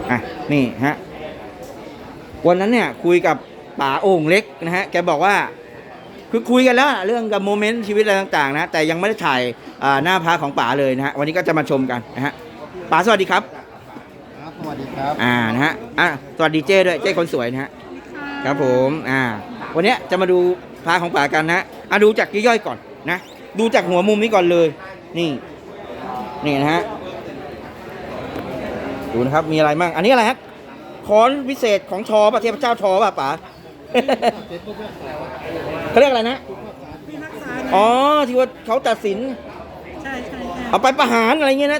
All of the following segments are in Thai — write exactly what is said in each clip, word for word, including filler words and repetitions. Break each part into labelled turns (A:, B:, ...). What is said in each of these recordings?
A: อ่ะนี่ฮะวันนั้นเนี่ยคุยกับป๋าโอ่งเล็กนะฮะแกบอกว่าคือคุยกันแล้วเรื่องกับโมเมนต์ชีวิตอะไรต่างๆนะแต่ยังไม่ได้ถ่ายหน้าพระของป๋าเลยนะฮะวันนี้ก็จะมาชมกันนะฮะป๋าสวัสดีครับ
B: ครับสวัสดีครับ
A: อ่านะฮะอ่ะสวัสดีเจ้ด้วยเจ้คนสวยนะฮะครับผมอ่าวันนี้จะมาดูพระของป๋ากันนะอ่ะดูจากย่อยๆก่อนนะดูจากหัวมุมนี้ก่อนเลยนี่นี่นะฮะดูนะครับมีอะไรมั่งอันนี้อะไรฮะค้อนวิเศษของชอป่ะเทพเจ้าชอป่ะป๋าเขาเรียกอะไรนะอ๋อที่ว่าเขาตัดสิน
C: ใช่ใช่
A: เอาไปประหารอะไรเงี้ยนะ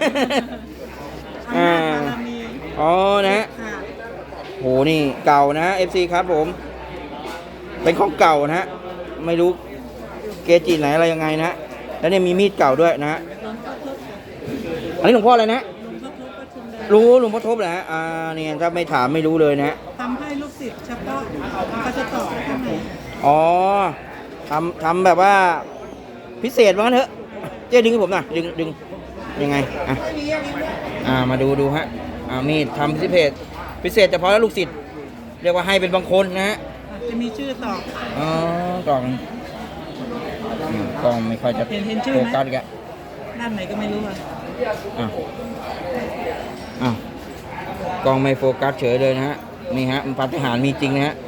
A: อ่าอ๋อนะฮะโหนี่เก่านะ เอฟ ซี ครับผมเป็นของเก่านะฮะไม่รู้เกจิไหนอะไรยังไงนะแล้วเนี่ยมีมีดเก่าด้วยนะฮะอันนี้หลวงพ่ออะไรนะรู้หลวงพ่อทบแหละอ่าเนี่ยถ้าไม่ถามไม่รู้เลยนะ
C: ทำให้ลูกศิษย์เฉพาะเขาจะต่อข้างใน
A: อ๋อทำทำแบบว่าพิเศษว่างั้นเถอะเจ๊ดึงให้ผมหน่อยดึงดึงยังไงอ่ะอ่ามาดูดูฮะอ่ามีดทำพิเศษพิเศษเฉพาะแล้วลูกศิษย์เรียกว่าให้เป็นบางคนนะฮะ
C: จะมีชื่อต่อ
A: อ๋อกล่องกล่องไม่ค่อยจะโฟกัสกัน
C: ด้านไหนก็ไม่รู้อ่ะ
A: อ่ะอ้าวกล้องไม่โฟกัสเฉยเลยนะฮะนี่ฮะมันปาฏิหาริย์มีจริงนะฮะ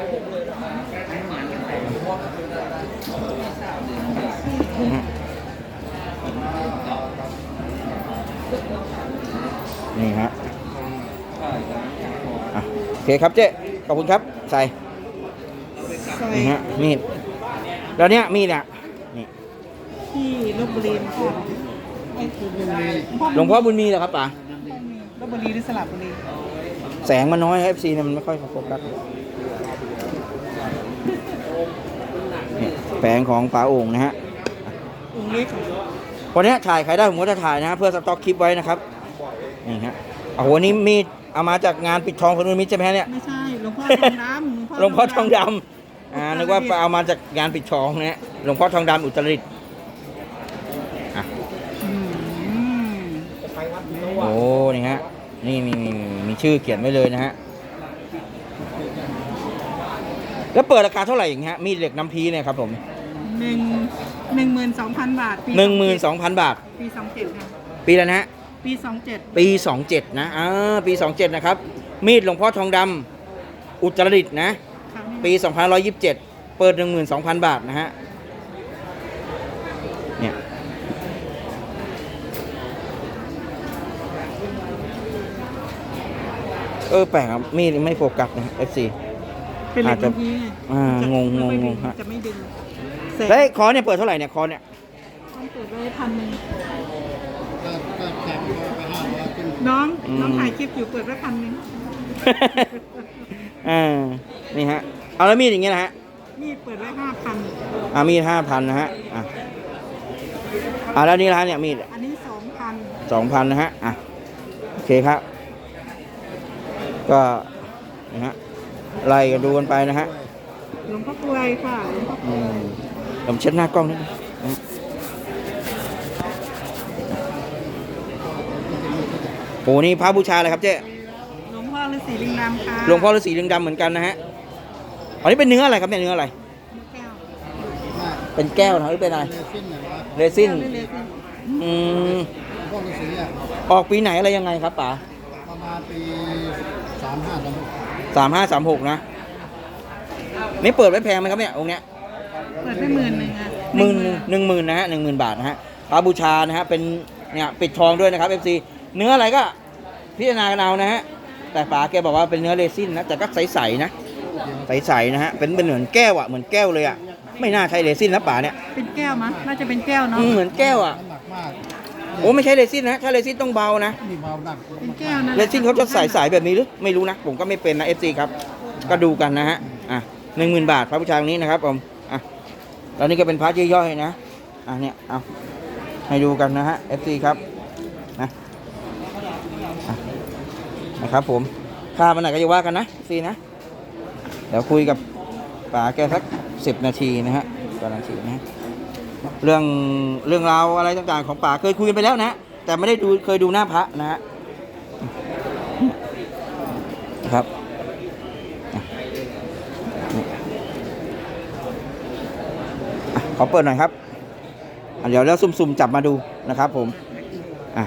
A: นี่ฮะอ่ะโอเคครับเจ๊ขอบคุณครับใส่นี่ฮะมีดแล้วเนี้ยมีดอ่ะนี่
C: ที่ลพบุรีค่ะ
A: หลวงพ่อบุญมีเหรอครับป๋า
C: ลพบุรีหรือสระบุรี
A: แสงมันน้อย เอฟ ซี เนี่ยมันไม่ค่อยโฟกัสนี่แผงของป๋าโอ่งนะฮะ
C: องค์เล็ก
A: วันนี้ถ่ายใครได้ผมก็จะถ่ายนะฮะเพื่อสต็อกคลิปไว้นะครับนี่ฮะโอ้โหนี่มีดเอามาจากงานปิดทองพนมมิตรใช่ไหมเนี่ย
C: ไม่ใช่หลวงพ่อทองด
A: ำหลวงพ่อทองดำอ่านึกว่าเอามาจากงานปิดทองนะฮะหลวงพ่อทองดำอุตรดิตถ์อ่ะโอ้นี่ฮะนี่มีมีมีชื่อเขียนไว้เลยนะฮะแล้วเปิดราคาเท่าไหร่อย่างเงี้ยมีดเหล็กน้ำพีเนี่ยครับผม
C: หนึ่งหนึ่งหมื่นสองพันบาท
A: หนึ่งหมื่นสองพันบาท
C: ปีสองเจ็ดค่ะ
A: ปีแล้วนะฮะ
C: ปีสองเจ็ด
A: ปีสองเจ็ดนะอ่าปีสองเจ็ดนะครับมีดหลวงพ่อทองดำอุตรดิตถ์นะปีสองพันร้อยยี่สิบเจ็ดเปิดหนึ่งหมื่นสองพันบาทนะฮะเนี่ยเออแปลกครับมีดไม่โฟกัสนะ เอฟ ซี
C: อาจจะ
A: อ่างงงงงฮะ
C: จะไม่ดึง
A: แล้วคอเนี่ยเปิดเท่าไหร่เนี่ยคอเนี่ย
C: เปิดไว้พันหนึ่งน้องน้องถ่ายคลิปอยู่เปิดไว้พันหนึ่ง
A: อ่านี่ฮะเอาแล้วมีดอย่างเงี้ยนะฮะ
C: มีดเปิดไว้ห้าพัน
A: อ่ามีดห้าพันนะฮะอ่ะอ่าแล้วนี่ละเนี่ยมีด
C: อันนี้สองพัน
A: สองพันนะฮะอ่ะโอเคครับก็นะฮะไล่กันดูกันไปนะฮะ
C: หลวงพ่อกลวยค่ะหลวงพ่อกลวย
A: ผมเช็ดหน้ากล้องนิดนึงโอ้นี่พระบูชาอะไรครับเจ๊
C: หลวงพ่อฤาษีลิงดำค่ะ
A: หลวงพ่อฤาษีลิงดำเหมือนกันนะฮะอันนี้เป็นเนื้ออะไรครับเนี่ยเนื้ออะไรเป็นแก้วนะหรือเป็นอะไรเรซินอืมออกปีไหนอะไรยังไงครับป๋า
B: ประมาณปีสามห้าสามหก
A: สามห้าสามหกนะนี่เปิดไว้แพงไหมครับเนี่ยองค์เนี้ย
C: เปิดไว้หมื่นหนึ่งอ่ะ
A: หมื่นหนึ่งหมื่นนะฮะหนึ่งหมื่นบาทนะฮะพระบูชานะฮะเป็นเนี่ยปิดทองด้วยนะครับเอฟซีเนื้ออะไรก็พิจารณากันเอานะฮะแต่ป๋าแกบอกว่าเป็นเนื้อเรซินนะแต่ก็ใสๆนะใสๆนะฮะเป็นเป็นเหมือนแก้วอ่ะเหมือนแก้วเลยอ่ะไม่น่าใช่เรซินนะป๋าเนี่ย
C: เป็นแก้วมั้ยน่าจะเป็นแก้วเนาะ
A: เหมือนแก้วอ่ะโอ้ไม่ใช่เรซินนะถ้าเรซินต้องเบานะ
C: เป็นแก้วนะ
A: เรซินเขาจะใสๆแบบนี้หรือไม่รู้นะผมก็ไม่เป็นนะเอฟซีครับก็ดูกันนะฮะอ่ะหนึ่งหมื่นบาทพระบูชาตรงนี้นะครับผมอ่ะแล้วนี่ก็เป็นพระย่อยๆนะอ่ะเนี่ยเอาให้ดูกันนะฮะเอฟซีครับนะนะครับผมค่ามันไหนก็จะว่ากันนะซีนะเดี๋ยวคุยกับป๋าแกสักสิบนาทีนะฮะกำลังทีนะเรื่องเรื่องราวอะไรต่างๆของป๋าเคยคุยกันไปแล้วนะแต่ไม่ได้ดูเคยดูหน้าพระนะฮะนะครับอ่ะนี่อ่ะขอเปิดหน่อยครับอ่ะเดี๋ยวแล้วซุ่มๆจับมาดูนะครับผมอ่ะ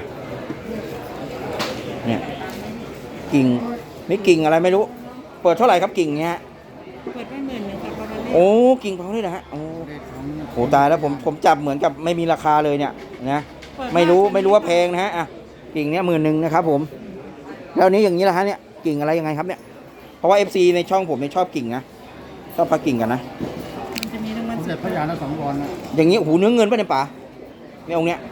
A: เนี่ยกิ่งไม่กิ่งอะไรไม่รู้ เปิดเท่าไหร่ครับกิ่งเนี้ย
C: เปิดไม่หมื่นหนึ่งค่ะประมาณนี้
A: โอ้กิ่งเผาเลยนะฮะโอ้โหตายแล้วผมผมจับเหมือนกับไม่มีราคาเลยเนี่ยนะไม่รู้ไม่รู้ว่าแพงนะฮะอ่ะกิ่งเนี้ยหมื่นหนึ่งนะครับผมแล้วนี้อย่างนี้ละฮะเนี่ยกิ่งอะไรยังไงครับเนี่ยเพราะว่า เอฟ ซี ในช่องผมเนี่ยชอบกิ่งนะชอบพักกิ่งกันนะ
C: มันจะมีรางวัล
B: สมเด็จพระยาณสังวรนะ
A: อย่างนี้โอ้โหเนื้อเงินป่ะเนี่ยป๋าเนี่ยองค์เนี้ย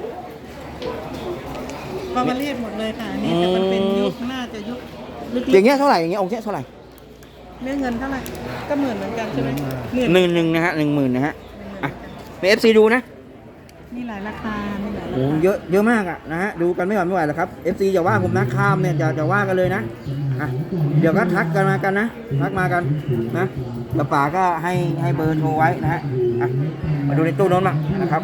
C: ปามาเรียดหมดเลยค่ะอันนี่แต่มันเป็นยุคน่าจะยุคลึก
A: อย่างเงี้ยเท่าไหร่อย่างเงี้ยองค์เนี้ยเท่าไหร่
C: ๆเรื่องเงินเท่าไหร่ก็หมื่นเหมือนกันใช่ไหมหมื่น
A: หนึ่งหนึ่งนะฮะหนึ่งหมื่นนะฮะอ่ะใน เอฟ ซี ดูนะ
C: มีหลายราคามีหลายรา
A: โอ้
C: คา
A: เยอะเยอะมากอ่ะนะฮะดูกันไม่หวั่นไม่ไหวแล้วครับ เอฟ ซี อย่าว่าผมนะข้ามเนี่ยจะจะว่ากันเลยนะอ่ะเดี๋ยวก็ทักกันมากันนะทักมากันนะแล้วป๋าก็ให้ให้เบอร์โทรไว้นะฮะอ่ะมาดูในตู้โน้นมานะครับ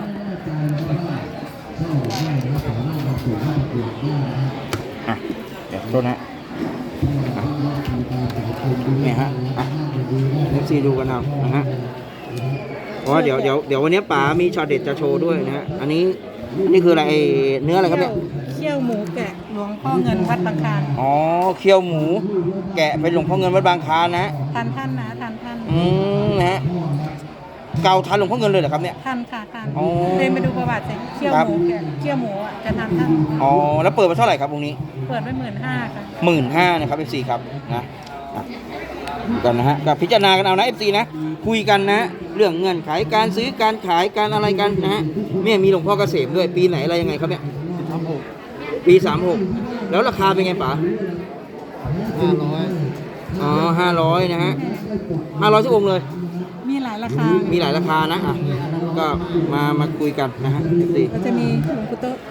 A: อ่ะเดี๋ยวโทษนะฮะอ่ะเนี่ยฮะอ่ะ เอฟ ซี ดูกันเอานะฮะเพราะว่าเดี๋ยวเดี๋ยวเดี๋ยววันนี้ป๋ามีช็อตเด็ดจะโชว์ด้วยนะฮะอันนี้นี่คืออะไรไอ้เนื้ออะไรครับเนี่ย
C: เคี่ยวหมูแกะหลวงพ่อเงินวัดบางคลาน
A: อ๋อเคี่ยวหมู แกะเป็นหลวงพ่อเงินวัดบางคลานนะฮะ
C: ทันท่านนะทันท่าน
A: อืมนะฮะเก่าทันหลวงพ่อเงินเลยเหรอครับเนี่ย
C: ทันค่ะทัน
A: อ๋อ
C: เดินไปดูประวัติสิเคี่ยว
A: ครับ
C: หมูแกะเคี่ยวหมูอ่ะจะทันท่าน
A: อ๋อแล้วเปิดมาเท่าไหร่ครับวงนี้
C: เปิดไว้หมื่นห้าค่ะ
A: หมื่นห้านะครับ เอฟ ซี ครับนะอ่ะดูกันนะฮะก็พิจารณากันเอานะ เอฟ ซี นะคุยกันนะเรื่องเงื่อนไขการซื้อการขายการอะไรกันนะฮะเนี่ยมีหลวงพ่อเกษมด้วยปีไหนอะไรยังไงครับเนี่ย
B: ทำหก
A: ปีสามหกแล้วราคาเป็นไงป๋า
B: ห้าร้อย
A: อ๋อห้าร้อยนะฮะห้าร้อยทุกองค์เลย
C: มีหลายราคา
A: มีหลายราคานะอ่ะก็มามาคุยกันนะฮะเอฟซี
C: ก็จะมีหลวงปู่โต๊ะ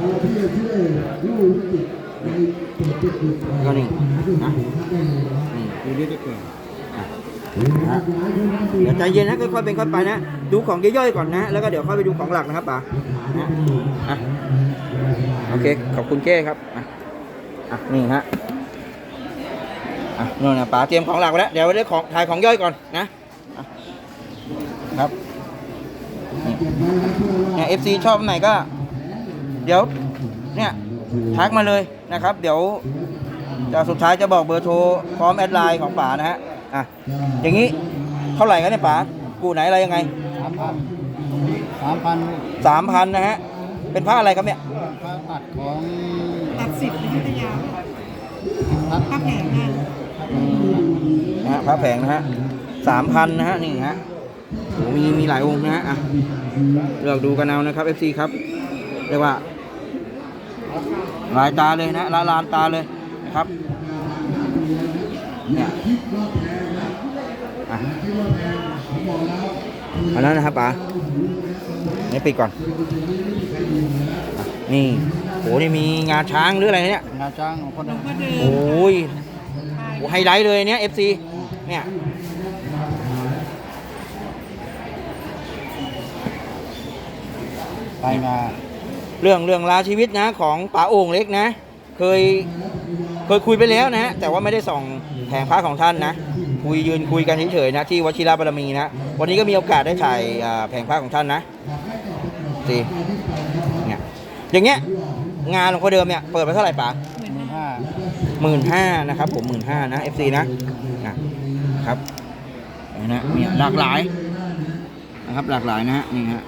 A: ก็นี่นะนี่
B: ดูนี่ได้เกิน
A: นะฮะเดี๋ยวใจเย็นนะค่อยๆเป็นค่อยไปนะดูของย่อยๆก่อนนะแล้วก็เดี๋ยวค่อยไปดูของหลักนะครับป๋านะอ่ะโอเคขอบคุณเก้ครับอ่ะอ่ะนี่ฮะอ่ะนู่นนะป๋าเตรียมของหลักไว้แล้วเดี๋ยวได้ของถ่ายของย่อยก่อนนะอ่ะครับนี่เนี่ยเอฟซีชอบอันไหนก็ เดี๋ยวเนี่ยทักมาเลยนะครับ เดี๋ยวจะสุดท้ายจะบอกเบอร์โทรพร้อมแอดไลน์ของป๋านะฮะอ่ะอย่างนี้เท่าไหร่กันเนี่ยป๋ากูไหนอะไรยังไง
B: สามพันสามพัน
A: สามพันนะฮะเป็นผ้าอะไรครับเนี่ย
B: พระตัดของ
C: ตัดสิบในยุทธยา
B: ตัด
C: ผ้าแผงงาน
A: นะฮะผ้าแผงนะฮะสามพันนะฮะนี่ฮะโหมีมีหลายองค์นะฮะอ่ะเลือกดูกันเอานะครับ เอฟ ซี ครับเรียกว่าลายตาเลยนะละลานตาเลยนะครับเนี่ยอ่ะอันนั้นนะครับป๋านี่ปิดก่อนอ่ะนี่โหนี่มีงาช้างหรืออะไรเนี่ย
B: งาช้างของพ่อ
C: หล
B: เดิ
C: วง
B: ม
C: พ่อเดิม
A: โอ้ยโหไฮไลท์เลยเนี่ย เอฟ ซี เนี่ย
B: ไปมา
A: เรื่องเรื่องราวชีวิตนะของป๋าโอ่งเล็กนะ เคยเคยคุยไปแล้วนะ แต่ว่าไม่ได้ส่องแผงพระของท่านนะ คุยยืนคุยกันเฉยๆนะที่วชิรบารมีนะ วันนี้ก็มีโอกาสได้ถ่ายอ่าแผงพระของท่านนะสิเนี่ยอย่างเงี้ยงานหลวงพ่อเดิมเนี่ยเปิดไปเท่าไหร่ป๋า
C: หมื่น
B: หมื่น
C: ห้า
B: ห้า
A: หมื่นห้านะครับผมหมื่นห้านะ เอฟ ซี นะนะครับนี่นะเนี่ยหลากหลายนะครับหลากหลายนะฮะนี่ฮะ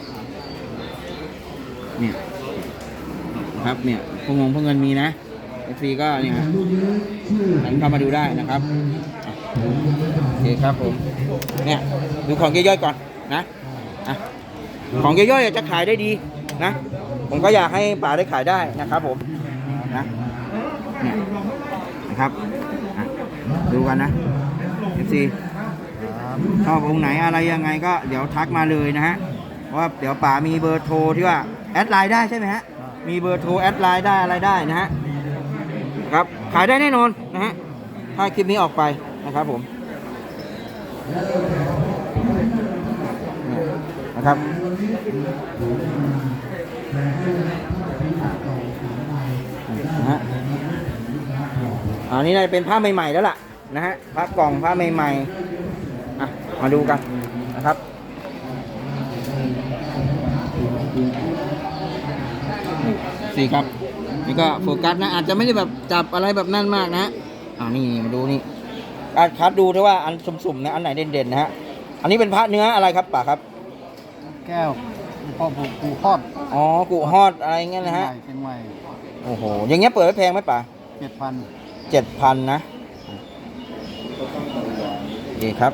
A: เนี่ยนะครับเนี่ยพวงงพวงเงินมีนะ เอฟ ซี ก็เนี่ยฮะหันเข้ามาดูได้นะครับอ่ะโอเคครับผมเนี่ยดูของย่อยๆก่อนนะอ่ะของย่อยๆจะขายได้ดีนะผมก็อยากให้ป๋าได้ขายได้นะครับผมนะเนี่ยนะครับอ่ะดูกันนะ เอฟ ซี ชอบองค์ไหนอะไรยังไงก็เดี๋ยวทักมาเลยนะฮะเพราะว่าเดี๋ยวป๋ามีเบอร์โทรที่ว่าแอดไลน์ได้ใช่ไหมฮะมีเบอร์โทรแอดไลน์ได้อะไรได้นะฮะครับขายได้แน่นอนนะฮะถ้าคลิปนี้ออกไปนะครับผมเนี่ยนะครับนะฮะอันนี้น่าจะเป็นผ้าใหม่ๆแล้วล่ะนะฮะผ้ากล่องผ้าใหม่ๆอ่ะมาดูกันนะครับสี่ครับนี่ก็โฟกัสนะอาจจะไม่ได้แบบจับอะไรแบบนั่นมากนะฮะอ่านี่มาดูนี่อาคัดดูด้วยว่าอันสุ่มๆนะอันไหนเด่นๆนะฮะอันนี้เป็นพระเนื้ออะไรครับป่าครับ
B: แก้วพ่อผูกผูคอด
A: อ๋อกุฮอดอะไรเงี้ยนะฮะ
B: เชียงใหม่
A: โอ้โหอย่างเงี้ยเปิดไว้แพงไหมป่า
B: เจ็ดพัน
A: เจ็ดพันนะดีครับ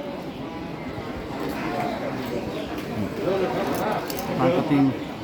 B: มาสติง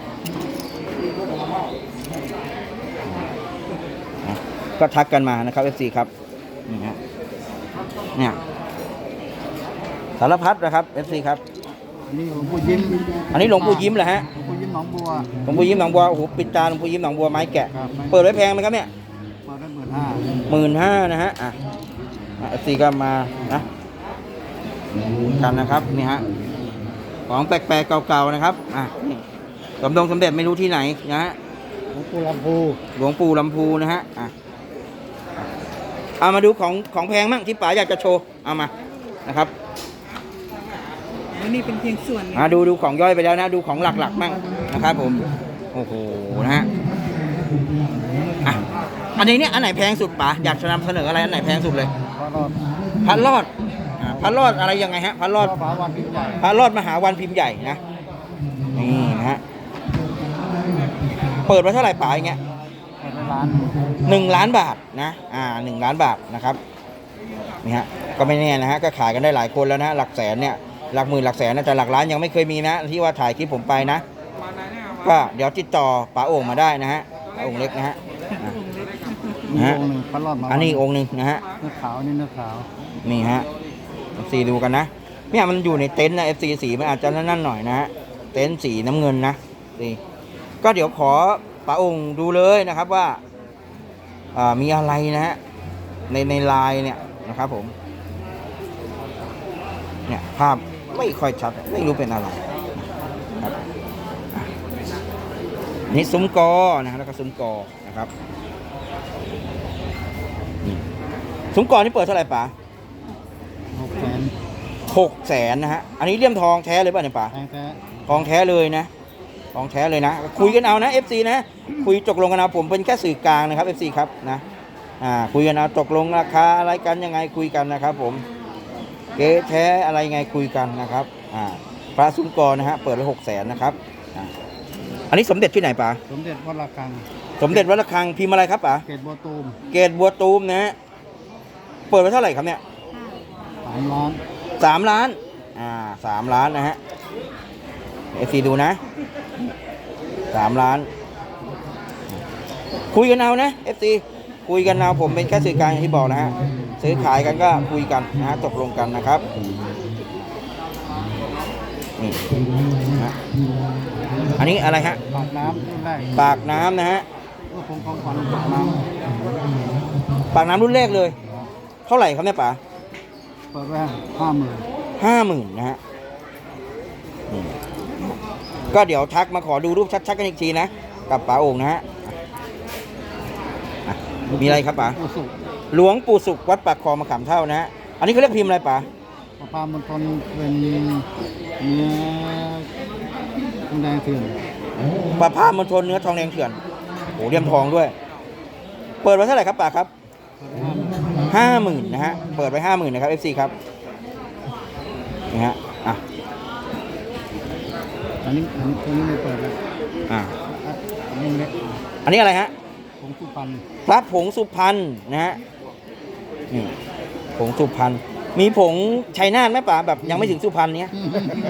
A: ก็ทักกันมานะครับ เอฟ ซี ครับนี่ฮะเนี่ยสารพัดนะครับ เอฟ ซี ครับ
B: นี่หลวงปู่ยิ้ม
A: อันนี้หลวงปู่ยิ้มเหรอฮะ
B: หลวงปู่ยิ้มหนองบัว
A: หลวงปู่ยิ้มหนองบัวโอ้โหปิดตาหลวงปู่ยิ้มหนองบัวไม้แกะ
B: ครับ
A: เปิดไว้แพงไหมครับเนี่ย
B: เปิดได้หมื่นห้า
A: หมื่นห้านะฮะอ่ะเอฟซีก็มานะกันนะครับนี่ฮะของแปลกๆเก่าๆนะครับอ่ะนี่สมดงสมเด็จไม่รู้ที่ไหนนะฮะ
B: หลวงปู่ลำพู
A: หลวงปู่ลำพูนะฮะอ่ะเอามาดูของของแพงมั่งที่ป๋าอยากจะโชว์เอามานะครับ
C: อันนี้เป็นเพียงส่วนหนึ่ง
A: อ่ะดูดูของย่อยไปแล้วนะดูของหลักๆมั่งนะครับผมโอ้โหนะฮะอ่ะอันนี้เนี่ยอันไหนแพงสุดป๋าอยากจะนำเสนออะไรอันไหนแพงสุดเลย
B: พระรอด
A: พันรอดอ่าพันรอดอะไรยังไงฮะพันรอด
B: พระวันพิมพ์ใหญ่
A: พันรอดมหาวันพิมพ์ใหญ่นะนี่นะฮะเปิดไว้เท่าไหร่ป๋าอย่างเงี้ย
B: เปิดในร้าน
A: หนึ่งล้านบาทนะอ่าหนึ่งล้านบาทนะครับนี่ฮะก็ไม่แน่นะฮะก็ขายกันได้หลายคนแล้วนะหลักแสนเนี่ยหลักหมื่นหลักแสนนะแต่หลักล้านยังไม่เคยมีนะที่ว่าถ่ายคลิปผมไปนะก็เดี๋ยวติดต่อป๋าโอ่งมาได้นะฮะป๋าโอ่งเล็กนะฮะอ่ะ
B: มี
A: ฮะ
B: องค์หนึ่งพระรอดมา
A: อันนี้องค์หนึ่งนะฮะ
B: เนื้อขาวนี่เนื้อขาว
A: นี่ฮะ เอฟ ซี ดูกันนะเนี่ยมันอยู่ในเต็นท์นะ เอฟ ซี สีมันอาจจะนั่นๆหน่อยนะฮะเต็นท์สีน้ำเงินนะนี่ก็เดี๋ยวขอป๋าองค์ดูเลยนะครับว่าอ่ามีอะไรนะฮะในในไลน์เนี่ยนะครับผมเนี่ยภาพไม่ค่อยชัดไม่รู้เป็นอะไรนะครับอ่ะอันนี่ซุ้มกอนะฮะแล้วก็ซุ้มกอนะครับนี่ซุ้มกอนี่เปิดเท่าไหร่ป๋า
B: หกแสน
A: หกแสนนะฮะ อันนี้เลี่ยมทองแท้เลยป่ะเนี่ยป๋า
B: แพงแท้
A: ทองแท้เลยนะทองแท้เลยนะ คุยกันเอานะ เอฟ ซี นะ คุยตกลงกันเอาผมเป็นแค่สื่อกลางนะครับ เอฟ ซี ครับนะอ่าคุยกันเอาตกลงราคาอะไรกันยังไงคุยกันนะครับ ผมเก๊แท้อะไรยังไงคุยกันนะครับอ่าพระซุ้มกอนะฮะเปิดไว้หกแสนนะครับอ่าอันนี้สมเด็จที่ไหนป๋า
B: สมเด็จวัดระฆัง
A: สมเด็จวัดระฆังพิมพ์อะไรครับป๋า
B: เกตบัวตูม
A: เกรดบัวตูมนะฮะเปิดไว้เท่าไหร่ครับเนี่ย
B: สามล้าน
A: สามล้าน อ่าสามล้านนะฮะเอฟซีดูนะสามล้าน คุยกันเอานะเอฟซีคุยกันเอาผมเป็นแค่สื่อกลางอย่างที่บอกนะฮะ ซื้อขายกันก็คุยกันนะฮะตกลงกันนะครับ นี่นะฮะอันนี้อะไรฮะ
B: ปากน้ำรุ่นแรก
A: ปากน้ำนะฮะ
B: ก็คงของขวัญปากน้
A: ปากน้ำรุ่นแรกเลย เท่าไหร่ครับเนี่ยป๋า
B: ำเปิดไว้ห้าหมื่น
A: ห้าหมื่นนะฮะนี่ก็เดี๋ยวทักมาขอดูรูปชัดๆกันอีกทีนะ กับป๋าโอ่งนะฮะอ่ะมีอะไรครับป๋า
B: ผู้สุข
A: หลวงปู่สุขวัดปากคลองมะขามเท่านะฮะ อันนี้เขาเรียกพิมพ์อะไรป๋า
B: พระพามณฑลเป็นเนื้อทองแดงเถื่อน
A: ปลาผ้ามณฑลเนื้อทองแดงเถื่อนโหเลี่ยมทองด้วย เปิดไว้เท่าไหร่ครับป๋าครับ
B: เปิดไว้ห้าหมื่น
A: ห้าหมื่นนะฮะ เปิดไว้ห้าหมื่นนะครับ เอฟ ซี ครับ นี่ฮะ อ่ะ
B: อันนี้อันนี้ตัวนี้ไม่เปิดแล้ว
A: อ่ะ
B: อันนี้เล็ก
A: อันนี้อะไรฮะ
B: ผมสุพรรณ
A: พระผงสุพรรณนะฮะ นี่ผงสุพรรณ มีผงชัยนาทไหมป๋าแบบยังไม่ถึงสุพรรณเนี้ย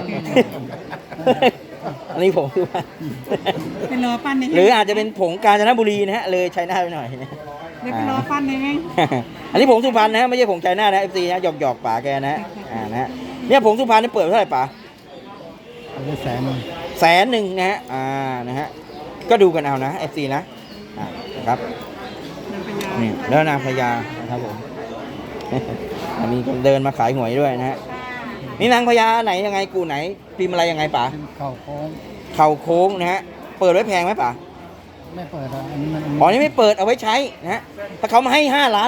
A: อันนี้ผงสุพรรณ
C: เป็นรอปั้นใน
A: หรืออาจจะเป็นผงกาญจนบุรีนะฮะ เลยชัยนาทไปหน่อยนะ
C: เดี๋ยวไปรอปั้นในแม่ง
A: อันนี้ผงสุพรรณนะฮะไม่ใช่ผงชัยนาทนะ เอฟ ซี นะหยอกหยอกๆป๋าแกนะฮะอ่านะฮะเนี่ยผงสุพรรณนี่เปิดเท่าไหร่ป๋า
B: เปิดได้แสนหนึ่ง
A: แสนหนึ่งนะฮะ อ่า นะฮะ ก็ดูกันเอานะ เอฟ ซี นะ อ่านะครับ
C: นางพญา
A: นี่แล้วนางพญานะครับผม มีคนเดินมาขายหวยด้วยนะฮะ นี่นางพญาไหนยังไงกูไหนพิมพ์อะไรยังไงป๋า
B: เป็นเข่าโค้ง
A: เข่าโค้งนะฮะ เปิดไว้แพงไหมป๋า
B: ไม่เปิดอ่ะอันนี้มัน
A: อ๋อนี่ไม่เปิดเอาไว้ใช้นะฮะ ถ้าเขามาให้ห้าล้านล่ะ
B: ถ้า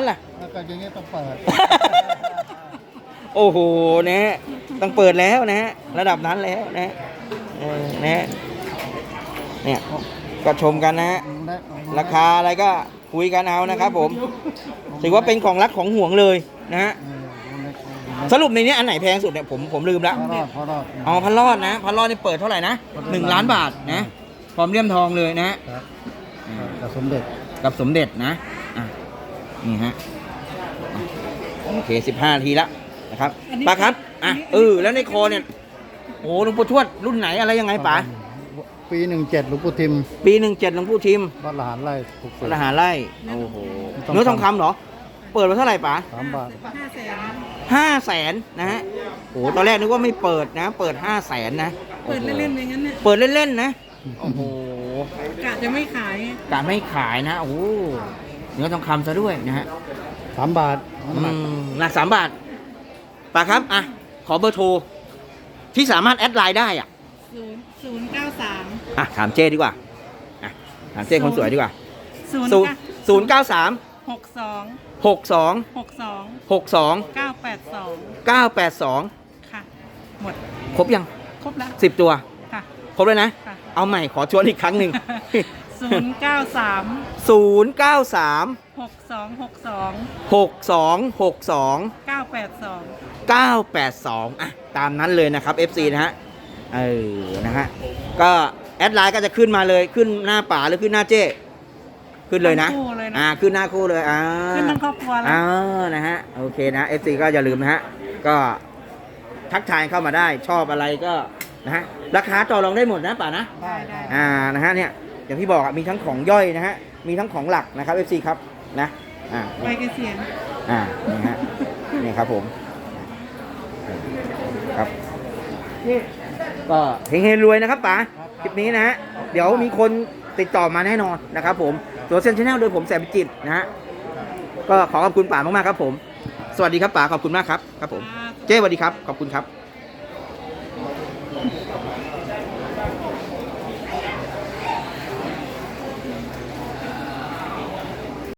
B: แล้วก็อย่างเงี้ยต้องเปิด
A: โอ้โหนะฮะต้องเปิดแล้วนะฮะระดับนั้นแล้วนะฮะเออนะฮะเนี่ยก็ชมกันนะฮะราคาอะไรก็คุยกันเอานะครับผมถือว่าเป็นของรักของห่วงเลยนะฮะสรุปในนี้อันไหนแพงสุดเนี่ยผมผมลืมแล้ว
B: พอรอดพอรอด
A: อ๋อพันรอดนะพันรอดนี่เปิดเท่าไหร่นะหนึ่งล้านบาทนะพร้อมเลี่ยมทองเลยนะฮะ
B: ครับกับสมเด็จ
A: กับสมเด็จนะอ่ะนี่ฮะอ่ะโอเคสิบห้าทีละนะครับป้าครับอ่ะเออแล้วในคอเนี่ยโอ้หลวงปู่ทวดรุ่นไหนอะไรยังไงป๋า
B: ปีหนึ่งเจ็ดหลวงปู่ทิม
A: ปีหนึ่งเจ็ดหลวงปู่ทิม
B: วัดละหารไร่ถูก
A: พระหาไร่โอ้โห
B: ทองคำ
A: เนื้อทองคำเหรอ เปิดมาเท่าไหร่ป๋า
B: สามบาท
C: ห้าแสน
A: ห้าแสนนะฮะโอ้ตอนแรกนึกว่าไม่เปิดนะ เปิดห้าแสนนะ
C: เปิดเล่นๆอย่างนั้นเนี่ย
A: เปิดเล่นๆนะโอ้โห
C: กะจะไม่ขาย
A: กะไม่ขายนะโอ้โหเนื้อทองคำซะด้วยนะฮะ
B: สามบาท
A: อืมหนักสามบาทป๋าครับอ่ะขอเบอร์โทรที่สามารถแอดไลน์ได้อ่ะ
C: ศูนย์ศูนย์เก้าสาม
A: อ่ะถามเจ้ดีกว่าอ่ะถามเจ้คนสวยดีกว่า
C: ศูนย์
A: ศูนย์ศูนย์เก้าสาม
C: หกสอง
A: หกสอง
C: หกสอง
A: หกสอง
C: เก้าแปดสอง
A: เก้าแปดสอง
C: ค่ะ หมด
A: ครบยัง
C: ครบแล้ว
A: สิบตัว
C: ค่ะ
A: ครบเลยนะ
C: ค่ะ
A: เอาใหม่ขอชวนอีกครั้งหนึ่ง
C: ศูนย์เก้าสาม
A: ศูนย์เก้าสาม
C: หกสองหกสอง
A: หกสองหกสอง
C: เก้าแปดสอง
A: เก้าแปดสองอ่ะตามนั้นเลยนะครับ เอฟ ซี นะฮะเออนะฮะก็แอดไลน์ก็จะขึ้นมาเลยขึ้นหน้าป๋าหรือขึ้นหน้าเจ้ขึ้นเลยนะ
C: ทั้งคู่เลยนะ
A: อ่าขึ้นหน้าคู่เลยอ่า
C: ขึ้นทั้งครอบครัวแล้ว
A: อ่านะฮะโอเคนะ เอฟ ซี ก็อย่าลืมนะฮะก็ทักทายเข้ามาได้ชอบอะไรก็นะฮะราคาต่อรองได้หมดนะป๋านะ
C: ได้ได้
A: อ่า นะฮะ เนี่ย อย่างที่บอกอะมีทั้งของย่อยนะฮะ มีทั้งของหลักนะครับ เอฟ ซี ครับ นะ อ่า
C: ใบเกษียณ
A: อ่า นี่ฮะ นี่ครับผม ครับ ก็เฮงๆรวยนะครับป๋า คลิปนี้นะฮะ เดี๋ยวมีคนติดต่อมาแน่นอนนะครับผม ตัวเซนชแนลโดยผมแสนพิจิตรนะฮะ ก็ขอขอบคุณป๋ามากๆครับผม สวัสดีครับป๋า ขอบคุณมากครับ ครับผม เจ้สวัสดีครับ ขอบคุณครับ